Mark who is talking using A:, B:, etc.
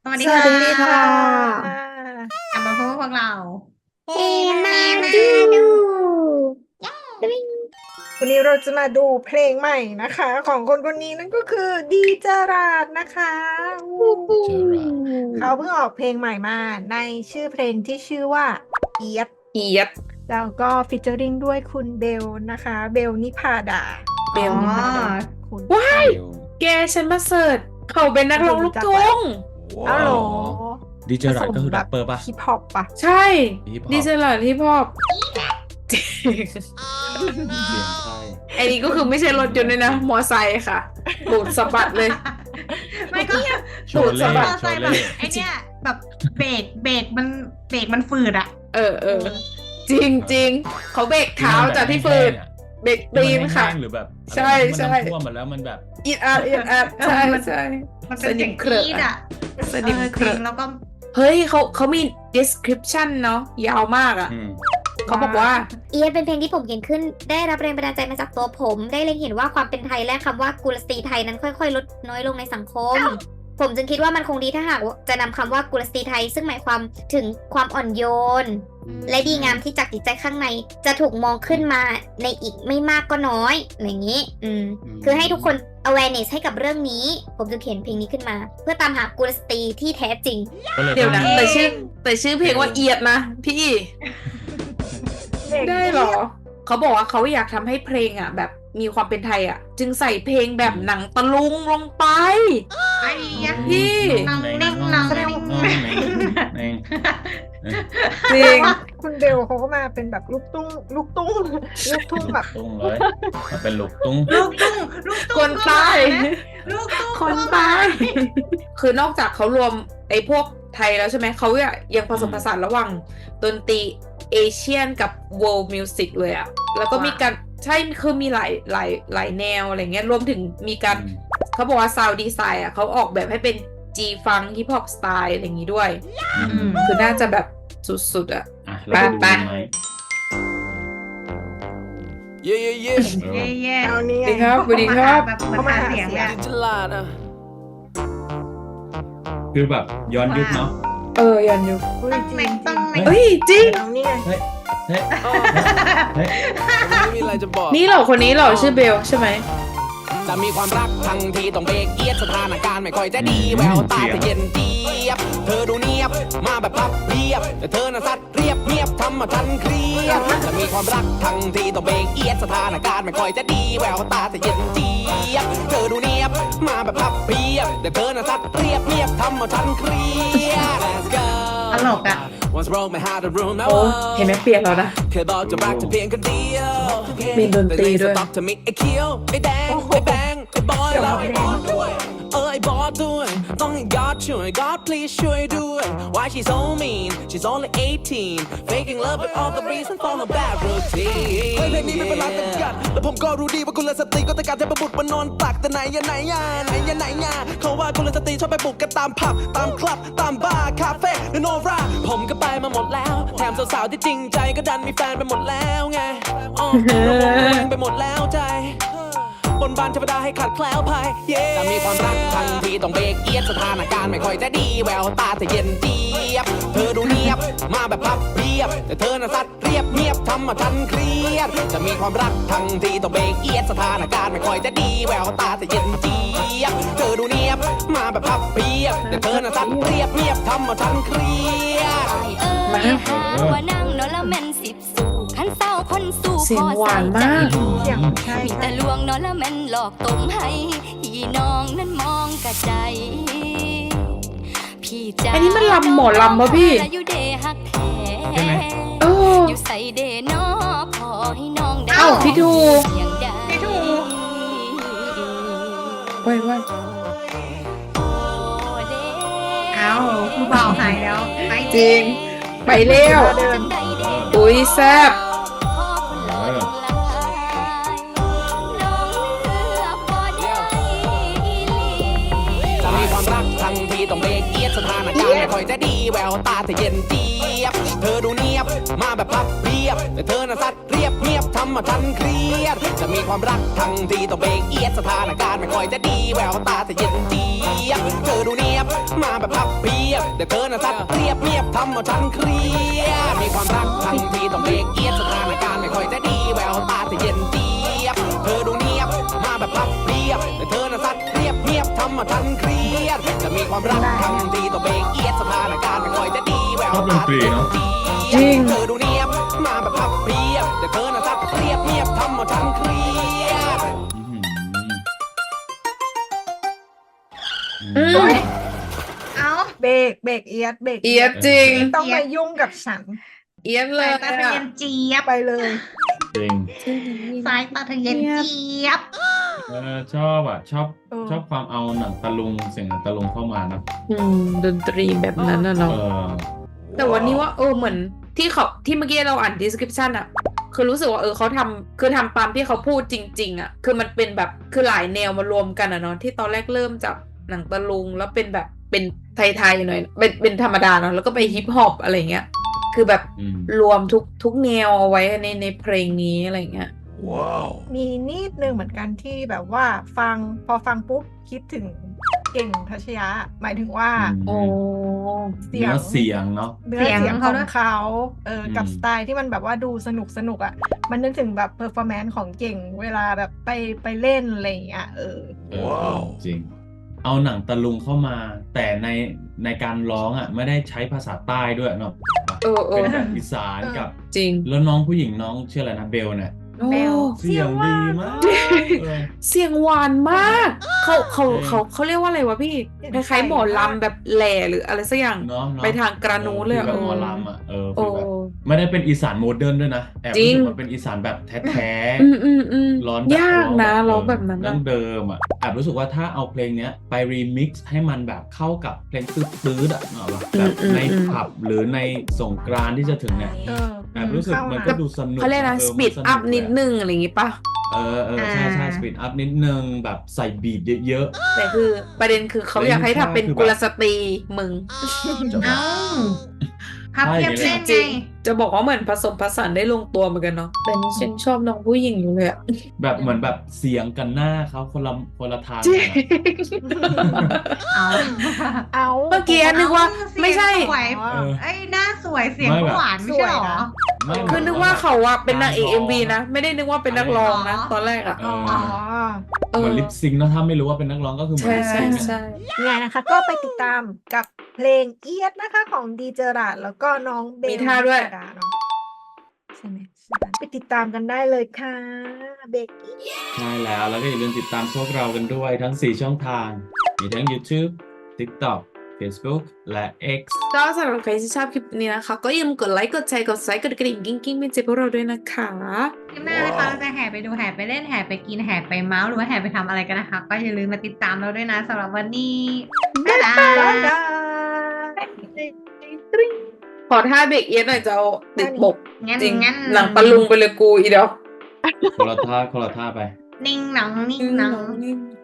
A: วัสดี
B: สวั
A: ค่
B: สดีค่ะ
A: ะ กลับมาพบกับพวกเรา
B: เฮมาดูดึง
C: วันนี้เราจะมาดูเพลงใหม่นะคะ ของคนคนนี้นั่นก็คือดีเจอราร์ดนะคะ
B: เจอรา
C: เขาเพิ่งออกเพลงใหม่มาในชื่อเพลงที่ชื่อว่าเอียด
B: เอียด
C: แล้วก็ฟีเจอริงด้วยคุณเบลนะคะ เบลนิพาดา
B: เบลนิพาดา
C: คุณ
B: ว้าย แกฉันมาเสิร์ชเขาเป็นนักร้องลูกทุ่ง
C: อ้าวเหรอ
D: ดีเจอราร์ดก็คือแรปเปอร์ป่ะ
C: ฮิปฮอปปะ
B: ใช่
D: ฮิปฮอป
B: ดีเจอร์ที่พอบ
D: เสียงใช่
B: ไอ้นี่ก็คือไม่ใช่รถยนต์เลยนะ มอไซค์ค่ะบูดสะบัดเลย
A: ไม่ก็
D: โชว์เล่
A: มอ
D: โช
A: ไซ
D: ว์
A: ค์แบ
D: เล่
A: บไอเนี้ยแบบเบรกมันฝืดอ่ะ
B: เออ จริงจริงเขาเบรกเท้าจากที่ฝืดเบรกตีนค่ะ
D: หรือแบบ
B: ใช่ใช่
D: มันท่วมมาแล้วมันแบบ
B: อีดอัดใช่ใช่
A: มันเป็นเสียงกรี๊ดอ่ะ
B: สนิมเค
A: จ
B: ร
A: ริ
B: อะ
A: งแล้วก็
B: เฮ้ยเขามี description เนาะยาวมากอ่ะ
D: อืม
B: เขาบอกว่า
E: เอียดเป็นเพลงที่ผมเขียนขึ้น ได้รับแรงบันดาลใจมาจากตัวผม ได้เล็งเห็นว่าความเป็นไทยและคำว่ากุลสตรีไทยนั้นค่อยๆ ลดน้อยลงในสังคม ผมจึงคิดว่ามันคงดีถ้าหากจะนำคำว่ากุลสตรีไทย ซึ่งหมายความถึงความอ่อนโยน และดีงามที่จากจิตใจข้างใน จะถูกมองขึ้นมาในอีกไม่มากก็น้อยอะไรอย่างนี้ คือให้ทุกคน awareness ให้กับเรื่องนี้ ผมจึงเขียนเพลงนี้ขึ้นมา เพื่อตามหากุลสตรีที่แท้จริง
D: ก็เลย
B: เดี๋ยวนะ
D: ต้อง
B: แต่ชื่อเพลงว่าเอียดนะ พี่ ได้เหรอ เขาบอกว่าเขาอยากทำให้เพลงอ่ะ แบบมีความเป็นไทยอ่ะ จึงใส่เพลงแบบหนังตะลุงลงไป
A: ไอ้ยะ
B: พี่
A: น้องนิ่งน้องนิ่ง
D: เอง
B: จริง
C: คุณเบลเขาก็มาเป็นแบบลูกทุ่งลูกทุ่งแบบ
D: ตุ้งเลยมาเป็นลูกตุ้ง
A: ลูกตุ้ง
B: คนใต้
A: ลูกตุ้ง
B: คนใต้คือนอกจากเขารวมไอ้พวกไทยแล้วใช่ไหม เขายังผสมผสานระหว่างดนตรีเอเชียนกับ world music เลยอะแล้วก็มีการใช่คือมีหลายแนวอะไรเงี้ย รวมถึงมีการเขาบอกว่า sound design อะเขาออกแบบให้เป็น G funk hip hop style อะไรอย่างงี้ด้วย คือน่าจะแบบสุดๆอะ
D: อ่ะเราไปดูกันไหม
F: Yeah, yeah, yeah.
A: เย่
C: เอานี่
B: สวัส
C: ไง
B: ดีครับสวัสดีครับ
A: แบบเหมือนหาเสียงเลยอะ
F: Gelada.
D: คือแบบย้อนยุคเนาะ
B: ยันอยู่
C: อุ้ย
A: ต้อง
C: จริ
A: เน็
C: ง
A: ตต้องเน็ต
B: เฮ้ยจริง
C: เอานี่ไง
D: เฮ้ยเฮ้ย
F: ไม่มีอะไรจะบอก
B: นี่เหรอคนนี้เหรอชื่อเบลใช่ไหม
F: จะมีความรักทั้งทีต้องเบรกเอียดสถานการณ์ไม่ค่อยจะดีแววตาจะเย็นเจี๊ยบเธอดูเนียบมาแบบพับเพียบแต่เธอน่ะซัดเรียบเงียบทำมาทันเครียดจะมีความรักทั้งทีต้องเบรกเอียดสถานการณ์ไม่ค่อยจะดีแววตาจะเย็นเจี๊ยบเธอดูเนียบมาแบบพับเพียบแต่เธอน่ะซัดเรียบเงียบทำมาทันเครียด Let's go
A: ตลกอ่ะ
F: Once broke my heart the room
B: โอ้เห็นไหมเปลี่ยนแล้วนะ
F: เคยบอกจะรักจะเพียงคนเดียว
B: มีดนตรีด้วย
F: แต่ในสต็อกจะมีไอ้เคียวไอ้แดงไอ้แบงไอ้บอยแล้วไอ้บอสด้วยไอ้บอสด้วยต้องให้ God ช่วย God please ช่วยด้วย Why she's so mean she's only 18 faking love with all the reason for her bad routine เพลงนี้ไม่เป็นไรเป็นกันแล้วผมก็รู้ดีว่ากุลสตรีก็ต้องการเทพบุตรมานอนตักแต่ไหนยาเขาว่ากุลสตรีชอบไปบุกกันตามผับตามคลับตามบาร์คาเฟ่และโนราผมก็ไปมาหมดแล้วแถมสาวๆที่จริงใจก็ดันมีแฟนไปหมดแล้วไงระวงไปหมดแล้วใจบนบานเทวดาให้ขาดแคล้วภัยจะมีความรักทันทีต้องเบรกเอียดสถานการณ์ไม่ค่อยจะดีแววตาจะเย็นเจี๊ยบเธอดูเนียบมาแบบพับเพียบแต่เธอน่ะซัดเรียบเงียบทำมาทันเครียดจะมีความรักทันทีต้องเบรกเอียดสถานการณ์ไม่ค่อยจะดีแววตาจะเย็นเจี๊ยบเธอดูเนียบมาแบบพับเพียบแต่เธอน่ะซัดเรียบเงียบทำมาทันเครียด
B: มา
G: หาว่านั่งนอนละแม่นสิบสู่ขันเศร้าคนสู่
B: เสียงหวานมาก
C: เสียงใช่
G: มีแต่ลวงนอนละแม่นหลอกต้มให้พี่น้องนั้นมองกระใจพี่จ๋า
B: อันนี้มันลำหมอลำปะพี่
G: อยู่เดฮักแท้
D: ใช่ไหม
B: เออ
G: อยู่ใส่เดนอพอให้น้องได้
B: เอ้าพี่ทู
G: อย่างใด
A: พี่ทู
B: เว้ย
G: โอ้เด้
A: เอาผู้บ่าวหายแล้วไป
B: จริง ไปเร็ว
G: จังใดเด้
B: อุ้ยแซ่บ
G: พ่อคนหล่อทั้งหลายน้องเลือกบ่ได้อีหลี
F: จะมีความรักทันทีต้องเบรกเอียดสถานการณ์ไม่ค่อยจะดีแววตาจะเย็นเจี๊ยบเธอดูเนียบมาแบบพับเพียบแต่เธอน่ะซัดเรียบเงียบทำมาทันเครียดจะมีความรักทันทีต้องเบรกเอียดสถานการณ์ไม่ค่อยจะดีแววตาจะเย็นเจี๊ยบเธอดูเนียบมาแบบพับเพียบแต่เธอน่ะซัดเรียบเรียบทำเอาฉันเครียดมีความรักทันทีต้องเบรกเอียดสถานการณ์ไม่ค่อยจะดีแววตาเธอเย็นเจี๊ยบเธอดูเนียบมาแบบพับเพียบแต่เธอน่ะซัดเรียบเรียบทำเอาฉันเครียดจะมีความรักทันทีต้องเบรกเอียดสถานการณ์ไม่ค่อยจะดีแวว
D: ชอบด
F: ตาน
D: ตรีเนาะ
B: จริง
F: เธอดูเนียบมาแบบพับเพียบแต่เธอน่ะซัดเรียบเรียบทำเอาฉันเครียด
B: อืม
A: เอ้า
C: เบรกเอียดเบรก
B: เอียดจริง
C: ไม่ต้องมายุ่งกับฉัน
B: เอียดเล
A: สาย ยตาทะเยนเจี๊ยบ
C: ไปเลย
D: จริง
A: สายตาทะเยนเจี๊ยบ
D: ชอบอ่ะ ชอบ
C: เออ
D: ชอบความเอาหนังตะลุงเสียงหนังตะลุงเข้ามานะ
B: ดนตรีแบบนั้นน่ะเนาะ
D: เออ
B: แต่วันนี้ว่าเหมือนที่เมื่อกี้เราอ่าน description อะคือรู้สึกว่าเขาทำคือทำตามที่เขาพูดจริง ๆอะคือมันเป็นแบบคือหลายแนวมารวมกันอะเนาะที่ตอนแรกเริ่มจากหนังตะลุงแล้วเป็นแบบเป็นไทยๆหน่อยเป็นธรรมดาเนาะแล้วก็ไปฮิปฮอปอะไรเงี้ยคือแบบ
D: อืม
B: รวมทุกแนวเอาไว้ในเพลงนี้อะไรเงี้ย
C: มีนิดนึงเหมือนกันที่แบบว่าพอฟังปุ๊บคิดถึงเก่งทัชยะ หมายถึงว่า
B: โอ้
C: เสี
D: เนื้
C: ย
D: อง เสียงเนาะ
C: เนื้อเสียง
A: เสียง
C: ข
A: เขา
C: อง
A: ด้วย
C: เขากับ
D: อืม
C: สไตล์ที่มันแบบว่าดูสนุกอ่ะ มันนึกถึงแบบเพอร์ฟอร์แมนซ์ของเก่งเวลาแบบไปเล่นอะไรอย่างเงี้ย
D: จริง เอาหนังตะลุงเข้ามา แต่ในการร้องอ่ะ ไม่ได้ใช้ภาษาใต้ด้วยเนาะ เป็นแบบอีสานกับ
B: จริง
D: แล้วน้องผู้หญิงน้องชื่ออะไรนะเบลเนี่ย
C: เบล
D: เสียงดีมากเออ
B: เสียงหวานมากเขาเรียกว่าอะไรวะพี่คล้ายๆหมอลำแบบแหล่หรืออะไรสักอย่าง
D: เนาะ
B: ไปทางกระนูเลย
D: ฟีลแบบ
B: อะ
D: หมอลำอ่ะฟี
B: โอ้
D: ลแบบไม่ได้เป็นอีสานโมเดิร์นด้วยนะแอบ
B: จริ
D: รู้
B: ง
D: สึกว่าเป็นอีสานแบบแท้
B: อืม
D: ร้อน
B: ยากนะร้องแบบนั้น
D: ดั้
B: อะ
D: งเดิมอ่ะแอบรู้สึกว่าถ้าเอาเพลงเนี้ยไปรีมิกซ์ให้มันแบบเข้ากับเพลงตื้อๆอ่ะเนาะแบบในผับหรือในสงกรานต์ที่จะถึงเนี่ยแอบรู้สึกมันก็ดูสนุก
B: เขาเรียกนะ สปีดอัพนิดนึงอะไรอย่างงี้ปะ
D: ใช่สปีดอัพนิดนึงแบบใส่บีทเยอะ
B: แต่คือประเด็นคือเขาอยากให้ทำเป็นกุลสตรีมึง
D: ๆจะ
A: เอ้าพับเพียบเล่น
B: จ
A: ไง
B: ริงจะบอกว่าเหมือนผสมผสานได้ลงตัวเหมือนกันเนาะแต่นี่ฉันชอบน้องผู้หญิงอยู่เลยอะ
D: แบบเหมือนแบบเสียงกันหน้าเขาคนละทาง
B: จริ
D: กัน
B: ง
D: อะ
A: เอา
C: เอา
B: เมื่อกี้นึกว่าไม่ใช่
A: สวย
D: เออ
A: ไอ้ยหน้าสวยเสียง
D: ไม่
A: ก็
D: แบบ
A: หวานไม่ใช่หรอ
D: ไม่
B: คือนึกว่าเขาอะเป็นนางเอก MV นะ ไม่ได้นึกว่าเป็นนักร้องนะ
A: อ๋อ
B: ตอนแรกอะ
D: เอ
C: อ๋อ
D: เหมือนลิปซิงค์นะถ้าไม่รู้ว่าเป็นนักร้องก็คือเหมือน
B: ใช่
D: ลิป
B: ใช่
D: ซิงค์อะ
B: ใช่
C: ยังไงนะคะ ก็ไปติดตามกับเพลงเอียดนะคะของดีเจอราดแล้วก็น้องเบล
B: มีท่าด้วย
C: นิชดาเนาะใช่ไหมไปติดตามกันได้เลยค่ะเบกกี้
D: ใช่แล้วก็อย่าลืมติดตามพวกเรากันด้วยทั้ง 4 ช่องทาง มีทั้ง YouTube TikTok Facebook และ X
B: ก็สำหรับใครที่ชอบคลิปนี้นะคะ ก็อย่าลืมกดไลค์ กดแชร์ กด Subscribe กดกระดิ่งกิ้งๆเป็นเจพวกเราด้วยนะคะ
A: คลิปหน้านะคะเราจะแห่ไปดูแห่ไปเล่นแห่ไปกินแห่ไปเมาส์หรือว่าแห่ไปทำอะไรกันนะคะ ก็อย่าลืมมาติดตามเราด้วยนะสำหรับวันนี้บ๊ายบา
C: บ๊าย
A: ย
C: บาย
B: ขอท่าเบรกเอียดหน่อยจะเอาติดบก
A: งั้น
B: จริง
A: งั้น
B: หลังตะลุงไปเลยกูอีเดียว
D: คนละท่าไป
A: นิ่งหนังนิ่งหนัง
B: นิ่ง